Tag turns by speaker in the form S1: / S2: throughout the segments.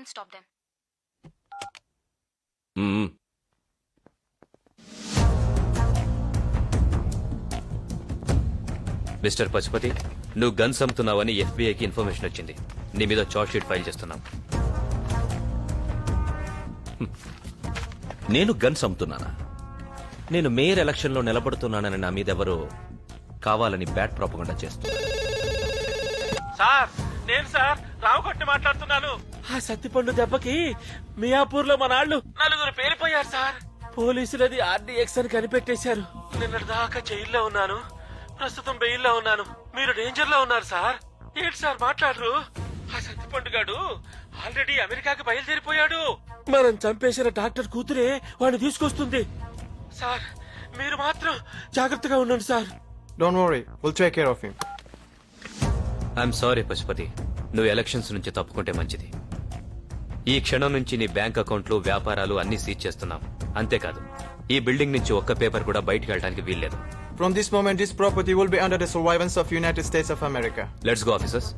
S1: can't stop them.
S2: Mister Pashupati, నువ్వు guns అమ్ముతున్నావని ఎఫ్బీఐకి information వచ్చింది. నీ మీద చార్జ్ షీట్ ఫైల్ చేస్తున్నాం.
S3: నేను గన్స్ అమ్ముతున్నానా? నేను మేయర్ ఎలక్షన్ లో నిలబడుతున్నానని నా మీద ఎవరో కావాలని బ్యాడ్ ప్రాపగండా చేస్తున్నా.
S4: సార్ నేను సార్ రావుకొట్టి మాట్లాడుతున్నాను. ఆ సత్తిపండు దెబ్బకి మియాపూర్ లో మన వాళ్ళు 4 పేలిపోయారు సార్. పోలీసులది ఆర్డీఎక్స్ అని కనిపెట్టేశారు. నిన్నటి దాకా జైల్లో ఉన్నాను, ప్రస్తుతం బెయిల్లో ఉన్నాను. మీరు డేంజర్ లో ఉన్నారు సార్. ఏంటి సార్ మాట్లాడరు? ఆ సత్తిపండు గాడు ఆల్రెడీ అమెరికాకి బయలుదేరిపోయాడు. మనం చంపేసిన డాక్టర్ కూతురే వాడిని తీసుకొస్తుంది. సార్ మీరు మాత్రం జాగ్రత్తగా ఉండండి sir.
S5: Don't worry, we'll take care of him.
S2: I'm sorry Pashupati, నువ్వు ఎలక్షన్స్ నుంచి తప్పుకుంటే మంచిది. ఈ క్షణం నుంచి నీ బ్యాంక్ అకౌంట్లు, వ్యాపారాలు అన్ని సీజ్ చేస్తున్నాం. అంతేకాదు, ఈ బిల్డింగ్ నుంచి ఒక్క పేపర్ కూడా బయటకు వెళ్ళడానికి వీల్లేదు.
S5: From this moment, this property will be under the surveillance of United States of America.
S2: Let's go officers.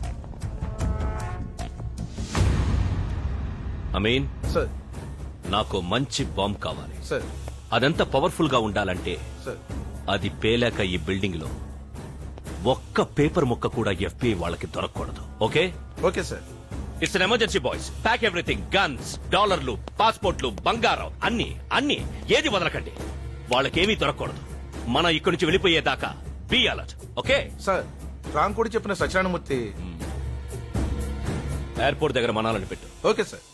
S3: Ameen,
S5: Sir,
S3: నాకు మంచి బాంబ్ కావాలి.
S5: sir,
S3: అదంత పవర్ఫుల్ గా ఉండాలంటే
S5: sir.
S3: అది పేలాక ఈ బిల్డింగ్ లో ఒక్క పేపర్ ముక్క కూడా ఎఫ్బీఐ వాళ్ళకి దొరకకూడదు. Okay?
S5: Okay, sir.
S3: It's an emergency boys. Pack everything. Guns, డాలర్లు, పాస్పోర్ట్లు, బంగారం అన్ని అన్ని ఏది వదలకండి. వాళ్ళకేమీ దొరకకూడదు. మనం ఇక్కడి నుంచి వెళ్ళిపోయేదాకా be alert. Okay?
S6: Sir Ramkodi చెప్పిన సత్యనారాయణమూర్తి.
S3: ఎయిర్పోర్ట్ దగ్గర మనాలని పెట్టు.
S6: Okay sir.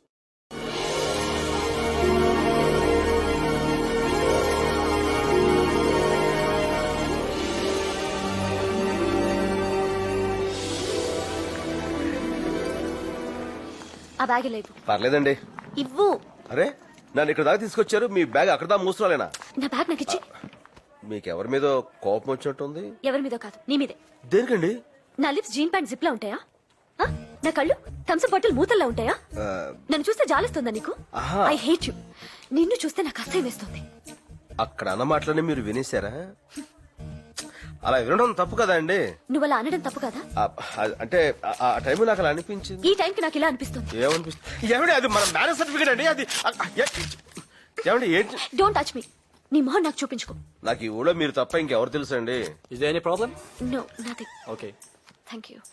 S1: ఆ బ్యాగ్ లేదు.
S7: పర్లేదండి.
S1: ఇవ్వు.
S7: అరే నన్ను ఇక్కడ దాకా తీసుకొచ్చారు, మీ బ్యాగ్ అక్కడ దాకా మూస్తున్నాలేనా?
S1: నా బ్యాగ్ నాకు ఇచ్చి.
S7: మీకెవరి మీద కోపం వచ్చినట్టుంది?
S1: ఎవరి మీద కాదు, నీ మీదే.
S7: దేనికండి?
S1: నా లిప్స్ జీన్ ప్యాంట్ జిప్ లా ఉంటాయా? ఆ? నా కళ్ళు థమ్స్అప్ బాటిల్ మూతల్లా ఉంటాయా? నన్ను చూస్తే జాలిస్తుందా నీకు?
S7: ఆహా.
S1: I hate you. నిన్ను చూస్తే నాకు అసహ్యం వేస్తుంది.
S7: అక్కడ అన్న మాటలని మీరు వినేశారా? అలా వినడం తప్పు కదా అండి.
S1: నువ్వు అలా అనడం తప్పు కదా?
S7: అంటే ఆ టైం నాకు అలా అనిపించింది.
S1: ఈ టైంకి నాకు ఇలా అనిపిస్తుంది.
S7: ఏమనిపిస్తుంది? ఏమండి అది మన మ్యారేజ్ సర్టిఫికేట్ అండి. అది ఏమండి ఏంటి?
S1: Don't touch me. నీ మొహం నాకు చూపించుకో.
S7: నాకు ఈ ఊళ్ళో మీరు తప్ప ఇంకెవరు తెలుసు అండి?
S4: Is there any problem?
S1: No nothing.
S4: Okay
S1: thank you.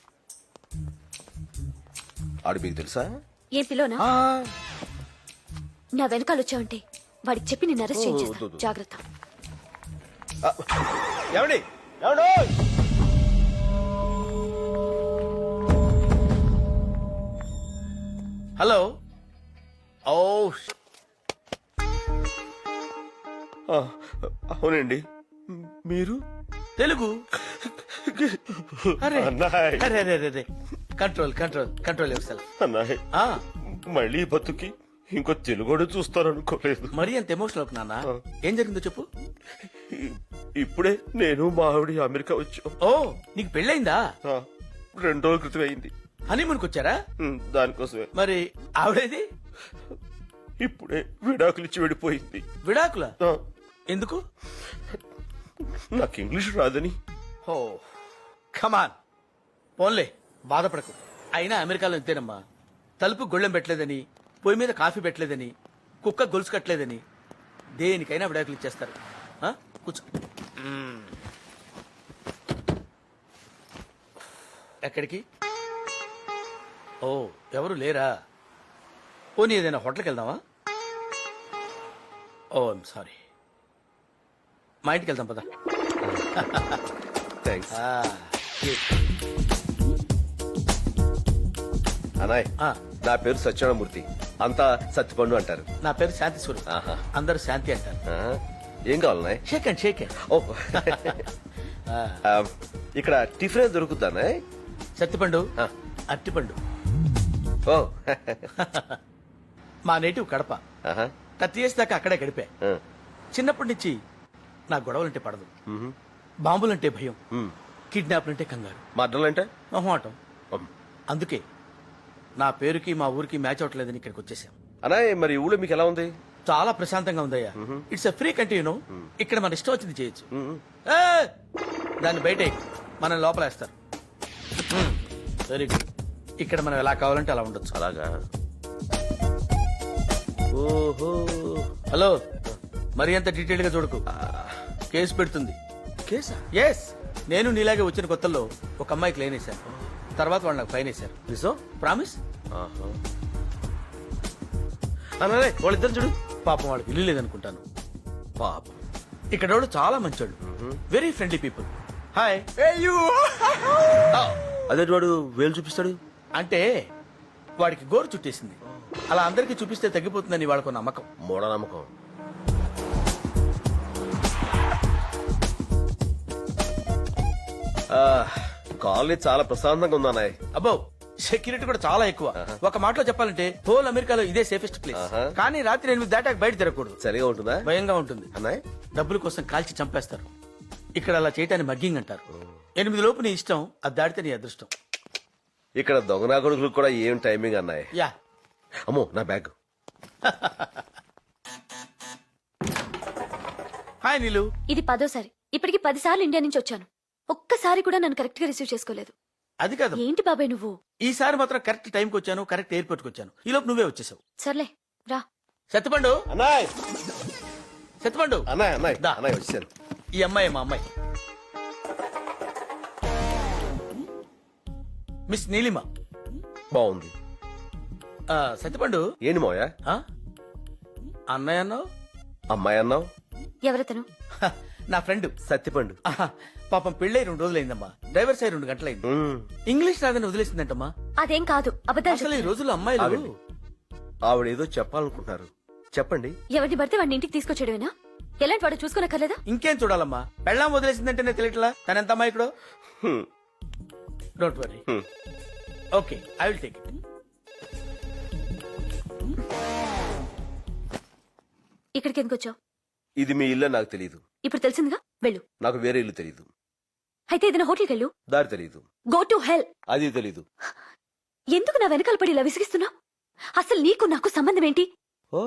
S7: ఆడు మీకు తెలుసా?
S1: ఏం పిలోనా? నా వెనకాల వచ్చావంటే వాడికి చెప్పి నిన్ను అరెస్ట్ చేయించేస్తా. జాగ్రత్త.
S7: ఏమండి ఏమండి
S6: హలో.
S7: ఓ అవునండి. మీరు
S6: తెలుగు? అరే
S7: అన్నాయ్.
S6: అరే అరే అరే control control control yourself.
S7: అన్నాయ్, మళ్ళీ బతుకి ఇంకో తెలుగుడు చూస్తారనుకోలేదు.
S6: మరీ అంత ఎమోషనల్ అవుకు నాన్న. ఏం జరిగిందో చెప్పు.
S7: ఇప్పుడే నేను మా ఆవిడ అమెరికా వచ్చాం.
S6: ఓ నీకు పెళ్ళైందా?
S7: 2 రోజుల క్రితం అయింది.
S6: హనీమూన్కి వచ్చారా?
S7: దానికోసమే.
S6: మరి ఆవిడేది?
S7: ఇప్పుడే విడాకులు ఇచ్చి వెళ్ళిపోయింది.
S6: విడాకుల?
S7: ఆ,
S6: ఎందుకు?
S7: నాకు ఇంగ్లీష్ రాదని.
S6: ఓ కమాన్, పోన్లే బాధపడకు. అయినా అమెరికాలో ఇంతేనమ్మా. తలుపు గొళ్ళెం పెట్టలేదని, పొయ్యి మీద కాఫీ పెట్టలేదని, కుక్క గొలుసు కట్టలేదని దేనికైనా విడాకులు ఇచ్చేస్తారు. ఆ? కూర్చో. ఎక్కడికి? ఓ ఎవరు లేరా? పోనీ ఏదైనా హోటల్కి వెళ్దామా? Oh I'm sorry. మా ఇంటికి వెళ్దాం పదా.
S7: థ్యాంక్స్. అనాయ్, నా పేరు సత్యనారాయణమూర్తి, అంతా సత్యపండు అంటారు.
S6: నా పేరు శాంతి స్వరూప్,
S7: ఆహా.
S6: అందరూ శాంతి అంటారు.
S7: ఏం కావాలన్నాయ్?
S6: Shake hand shake hand.
S7: ఓ ఇక్కడ టిఫిన్ దొరుకుతానా?
S6: సత్తిపండు, అట్టిపండు.
S7: ఓ
S6: మా నేటివ్ కడప. 30 years దాకా అక్కడే గడిపా. చిన్నప్పటి నుంచి నా గొడవలంటే పడదు, బాంబులంటే భయం, కిడ్నాప్లంటే కంగారు,
S7: మర్డర్లంటే
S6: మొహమాటం. అందుకే నా పేరుకి మా ఊరికి మ్యాచ్ అవట్లేదని ఇక్కడికి వచ్చేసాం.
S7: అనాయ్, మరి ఊళ్ళో మీకు ఎలా ఉంది?
S6: చాలా ప్రశాంతంగా ఉందయ్యా. It's a free country, you know. ఇక్కడ మన ఇష్టం వచ్చింది చేయొచ్చు. దాన్ని బయట మనం లోపలేస్తారు. Very good. ఇక్కడ మనం ఎలా కావాలంటే అలా ఉండొచ్చు.
S7: అలాగా ఓహో
S6: హలో, మరి అంత డీటెయిల్ గా చూడకు, కేసు పెడుతుంది.
S7: కేసా?
S6: ఎస్, నేను నీలాగే వచ్చిన కొత్తల్లో ఒక అమ్మాయికి లైన్ వేశాను, తర్వాత వాళ్ళు నాకు ఫైన్ వేశారు.
S7: నిజం?
S6: ప్రామిస్.
S7: ఆహా. అన్నలే వాళ్ళిద్దరు చూడు.
S6: పాపం వాళ్ళకి ఇల్లు లేదనుకుంటాను.
S7: పాపం.
S6: ఇక్కడ వాళ్ళు చాలా మంచోళ్ళు, వెరీ ఫ్రెండ్లీ పీపుల్. హాయ్.
S7: అదే వాడు వేలు చూపిస్తాడు.
S6: అంటే వాడికి గోరు చుట్టేసింది, అలా అందరికీ చూపిస్తే తగ్గిపోతుందని వాళ్ళకు నమ్మకం.
S7: మూఢనమ్మకం. కాలనీ చాలా ప్రశాంతంగా ఉంది అన్నయ్య.
S6: అబ్బో, సెక్యూరిటీ కూడా చాలా ఎక్కువ. ఒక మాటలో చెప్పాలంటే హోల్ అమెరికాలో ఇదే సేఫెస్ట్ ప్లేస్.
S7: ఆహా.
S6: కానీ రాత్రి 8 దాటాక బయట తిరగకూడదు,
S7: సరిగా ఉంటుందా
S6: భయంగా ఉంటుంది.
S7: అన్నయ్య?
S6: డబ్బుల కోసం కాల్చి చంపేస్తారు. ఇక్కడ అలా చేయటాన్ని మగ్గింగ్ అంటారు. 8 లోపు నీ ఇష్టం, అది దాటితే నీ అదృష్టం.
S7: ఇక్కడ దొంగనా కొడుకులకు కూడా ఏం టైమింగ్ అన్నయ్య.
S6: యా.
S7: అమ్మో నా బ్యాగ్.
S6: హాయ్ నీలు.
S1: ఇది 10వ సారి. ఇప్పటికి 10 సార్లు ఇండియా నుంచి వచ్చాను. ఒక్కసారి కూడా నన్ను కరెక్ట్ గా రిసీవ్ చేసుకోలేదు.
S6: అది కాదు,
S1: ఏంటి బాబాయ్ నువ్వు?
S6: ఈసారి మాత్రం కరెక్ట్ టైంకి వచ్చాను, కరెక్ట్ ఎయిర్పోర్ట్ కి వచ్చాను. ఈ లోపు నువ్వే వచ్చేసావు.
S1: సర్లే రా.
S6: సత్యపండు,
S7: అన్నయ్య
S6: సత్యపండు.
S7: అన్నయ్య అన్నయ్య
S6: దా.
S7: అన్నయ్య వచ్చాను.
S6: ఈ అమ్మాయి మా అమ్మాయి, మిస్ నీలిమ.
S7: బాగుంది.
S6: సత్యపండు.
S7: ఏంటి మోయా?
S6: ఆ? అన్నయ్య అన్నావు?
S7: అమ్మాయి అన్నావు?
S1: ఎవరతను?
S6: హ, నా ఫ్రెండ్.
S7: సత్తిపండు.
S6: ఆహా, పాపం పెళ్ళై 2 రోజులైందమ్మా. డ్రైవర్ సై 2 గంటలైంది. ఇంగ్లీష్ రాదని వదిలేసిందంటమ్మా.
S1: అదేం కాదు, అబద్ధాలు
S6: అసలు ఈ
S1: చెప్తున్నావు.
S6: రోజుల్లో అమ్మాయిలు
S7: ఆవిడ. ఆవిడేదో చెప్పాలనుకుంటున్నారు, చెప్పండి.
S1: ఎవరిని పడితే వాడిని ఇంటికి తీసుకొచ్చేయడమేనా? ఎలాంటి వాడు చూసుకోనక్కర్లేదా?
S6: ఇంకేం చూడాలమ్మా, పెళ్ళాం వదిలేసిందంటేనే తెలియట్లా తన ఎంత అమ్మాయికుడో.
S7: హ్మ్.
S6: Don't worry.
S7: Hmm.
S6: Okay, I will take it.
S1: ఇక్కడికి ఎందుకు వచ్చావు?
S7: ఇది మీ ఇల్లు నాకు తెలియదు.
S1: ఇప్పుడు తెలిసిందిగా, వెళ్ళు.
S7: నాకు వేరే ఇల్లు తెలియదు.
S1: అయితే ఏదైనా హోటల్కి వెళ్ళు.
S7: దారి తెలియదు.
S1: Go to hell.
S7: అది తెలీదు.
S1: ఎందుకు నా వెనకాల పడి ఇలా విసిగిస్తున్నావు? అసలు నీకు నాకు సంబంధం ఏంటి?
S7: ఓ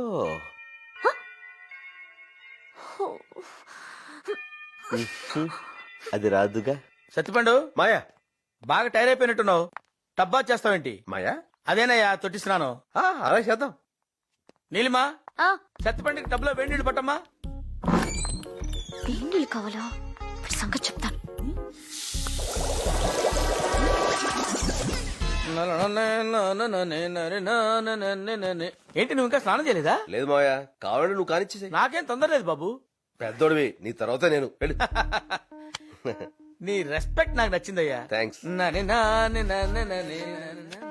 S7: అది రాదుగా.
S6: సత్యపండు,
S7: మాయా.
S6: బాగా టైర్ అయిపోయినట్టున్నావు. టబ్బా చేస్తావేంటి?
S7: మాయా.
S6: అదేనయ్యా తొట్టిస్తున్నాను.
S7: అలా చేద్దాం.
S6: నీలిమా,
S1: ఆ,
S6: సత్యపండుకి టబ్లో వేడి నీళ్ళు పట్టమ్మా.
S1: వేణీళ్ళు కావాలా? వాడి సంగతి చెప్తాను.
S6: ఏంటి నువ్వు ఇంకా స్నానం చేయలేదా?
S7: లేదు మాయా, కావాలంటే నువ్వు కానిచ్చేసే.
S6: నాకేం తొందర లేదు బాబు.
S7: పెద్దోడివి, నీ తర్వాత నేను. వెళ్ళు.
S6: నీ రెస్పెక్ట్ నాకు నచ్చిందయ్యా.
S7: థ్యాంక్స్.
S6: నని నాని నని నని నని నని.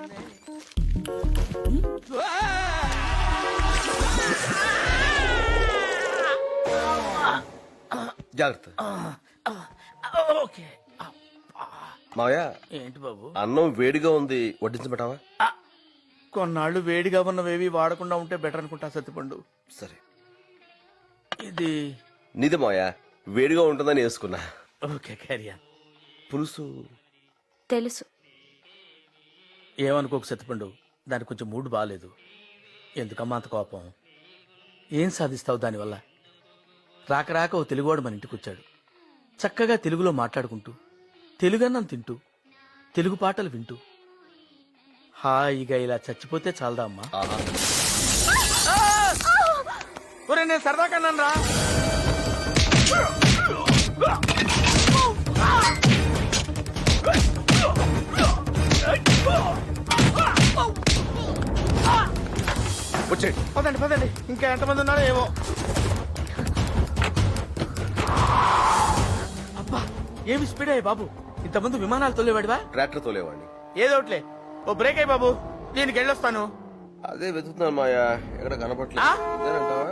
S7: జాగ్రత్త.
S6: ఓకే.
S7: మాయా,
S6: ఏంటి బాబు?
S7: అన్నం వేడిగా ఉంది, వడ్డించబెట్టావా?
S6: కొన్నాళ్ళు వేడిగా ఉన్నవేవి వాడకుండా ఉంటే బెటర్ అనుకుంటా సత్యపండు.
S7: సరే.
S6: ఇది
S7: నీదే మాయా, వేడిగా ఉంటుందని వేసుకున్నా.
S6: ఓకే, క్యారియా.
S7: పులుసు
S1: తెలుసు.
S6: ఏమనుకోకు సత్యపండు, దానికి కొంచెం మూడ్ బాగాలేదు. ఎందుకమ్మా అంత కోపం? ఏం సాధిస్తావు దానివల్ల? రాక రాక ఓ తెలుగువాడు మన ఇంటికి వచ్చాడు. చక్కగా తెలుగులో మాట్లాడుకుంటూ, తెలుగన్నం తింటూ, తెలుగు పాటలు వింటూ హాయిగా ఇలా చచ్చిపోతే చాలదా అమ్మా?
S7: ఆహా.
S6: ఒరే, నేను సరదా కన్నాను రా.
S7: వచ్చేయండి.
S6: పదండి పదండి, ఇంకా ఎంతమంది ఉన్నారో ఏమో. అబ్బా, ఏమి స్పీడ్ అయ్యి బాబు. ఇంతమంది విమానాలు తోలేవాడివా?
S7: ట్రాక్టర్ తోలేవాడిని.
S6: ఏదోట్లే, ఓ బ్రేక్ అయ్యి బాబు, దీనికి వెళ్ళొస్తాను.
S7: అదే వెతుకుతున్నాను మాయా, ఎక్కడ కనపట్లేదు.
S6: ఆ?
S7: ఇదేనంటావా?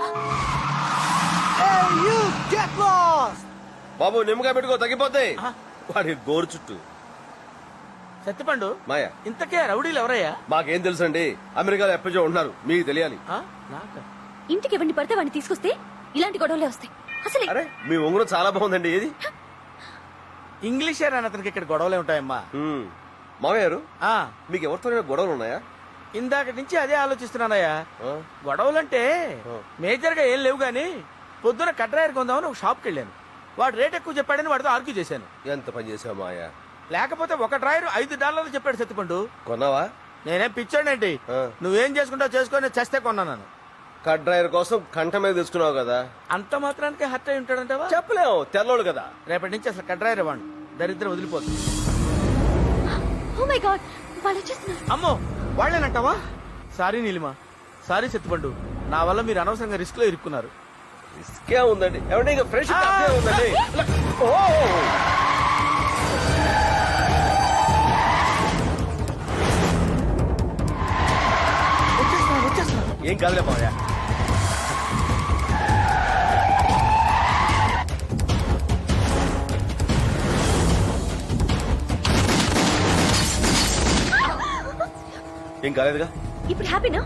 S7: బాబు నిమ్మకాయ పెట్టుకో, తగ్గిపోతాయి.
S6: ఆ?
S7: వాడి గోరు చుట్టూ.
S6: సత్యపండు,
S7: మాయా,
S6: ఇంతకే రౌడీలు ఎవరయ్యా?
S7: మాకేం తెలుసండి, అమెరికాలో ఎప్పటికో ఉంటున్నారు, మీకు తెలియాలి.
S6: ఆ? నాకా?
S1: ఇంటికి ఎవరిని పడితే వాడిని తీసుకొస్తే ఇలాంటి గొడవలే వస్తాయి. అసలు
S7: అరే, మీ ఉంగరం చాలా బాగుందండి. ఏది?
S6: ఇంగ్లీషే రాని అతనికి ఇక్కడ గొడవలే ఉంటాయమ్మా.
S7: మామయ్య గారు,
S6: ఆ,
S7: మీకు ఎవరితో గొడవలు ఉన్నాయా?
S6: ఇందాక నుంచి అదే ఆలోచిస్తున్నానయ్యా.
S7: ఆ?
S6: గొడవలంటే మేజర్ గా ఏం లేవు గాని, పొద్దున కట్రాయర్ కొందామని ఒక షాప్కి వెళ్ళాను. వాడు రేట్ ఎక్కువ చెప్పాడని వాడితో ఆర్గ్యూ చేశాను.
S7: ఎంత పని చేసావు మాయా?
S6: లేకపోతే ఒక డ్రాయర్ $5 చెప్పాడు సత్తిపండు.
S7: కొన్నావా?
S6: నేనేం పిచ్చాడేంటి?
S7: ఆ.
S6: నువ్వేం చేసుకుంటావు చేసుకొని చస్తే కొన్నాను.
S7: కట్ డ్రైవర్ కోసం కంట మీద తీసుకున్నావు కదా.
S6: అంత మాత్రానికి హర్ట్ అయి ఉంటాడంటావా?
S7: చెప్పలేము, తెల్లోడు కదా.
S6: రేపటి నుంచి అసలు కట్ డ్రైవర్ ఇవ్వండి, దరిద్రం వదిలిపోతుంది.
S1: ఓ మై గాడ్, వాళ్ళు వచ్చేస్తున్నారు.
S6: అమ్మో వాళ్ళేనంటావా? సారీ నీలిమా, సారీ సత్తిపండు, నా వల్ల మీరు అనవసరంగా రిస్క్ లో ఇరుక్కున్నారు.
S7: ఇసుకే ఉందండి, ఏమంటే ఇంకా ఫ్రెష్ ఉందండి. ఓ
S6: వచ్చేస్తున్నా.
S7: ఏం కాదులే బావయ్య. ఏం కాలేదుగా?
S1: ఇప్పుడు హ్యాపీనా?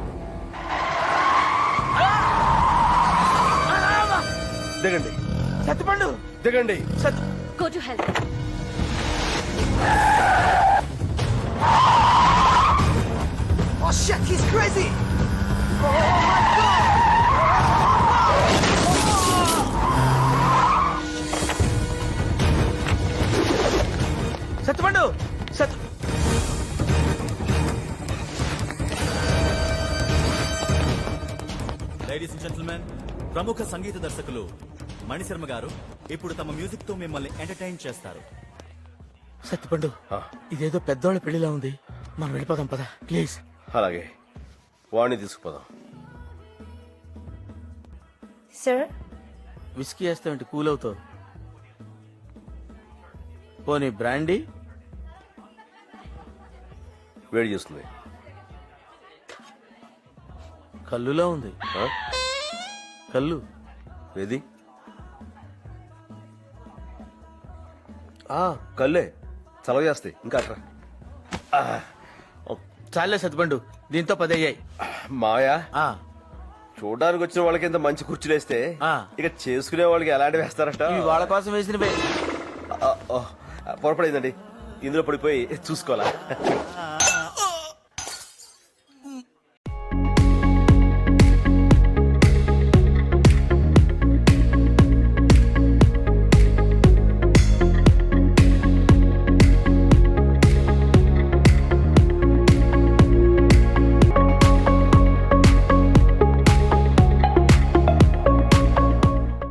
S7: దిగండి
S6: సత్తిపండు
S7: దిగండి.
S6: సత్
S1: గో టు హెల్త్.
S6: సత్తిపండు సత్
S8: లేడీస్ అండ్ జెంటిల్మెన్, ప్రముఖ సంగీత దర్శకులు మణిశర్మ గారు ఇప్పుడు తమ మ్యూజిక్ తో మిమ్మల్ని ఎంటర్టైన్ చేస్తారు.
S6: సత్తిపండు, ఇదేదో పెద్దోళ్ళ పెళ్లిలా ఉంది, మనం వెళ్ళిపోదాం పద ప్లీజ్.
S7: అలాగే, వాడిని తీసుకుపోదాం.
S9: సార్,
S6: విస్కీ వేస్తామంటే కూల్ అవుతావు. పోనీ బ్రాండీ?
S7: వేడి చేస్తుంది.
S6: కల్లులో ఉంది.
S7: ఆ?
S6: కల్లు
S7: ఏది? కల్లే చలవ చేస్తాయి. ఇంకా అట్రా.
S6: చాలే సత్తిపండు, దీంతో 10 అయ్యాయి.
S7: మాయా,
S6: ఆ,
S7: చూడడానికి వచ్చిన వాళ్ళకి ఇంత మంచి కుర్చీలు వేస్తే
S6: ఆ.
S7: ఇక చేసుకునే వాళ్ళకి ఎలాంటి వేస్తారట?
S6: ఇవి వాళ్ళ కోసం వేసినవే.
S7: పొరపడిందండి, ఇందులో పడిపోయి చూసుకోవాలా?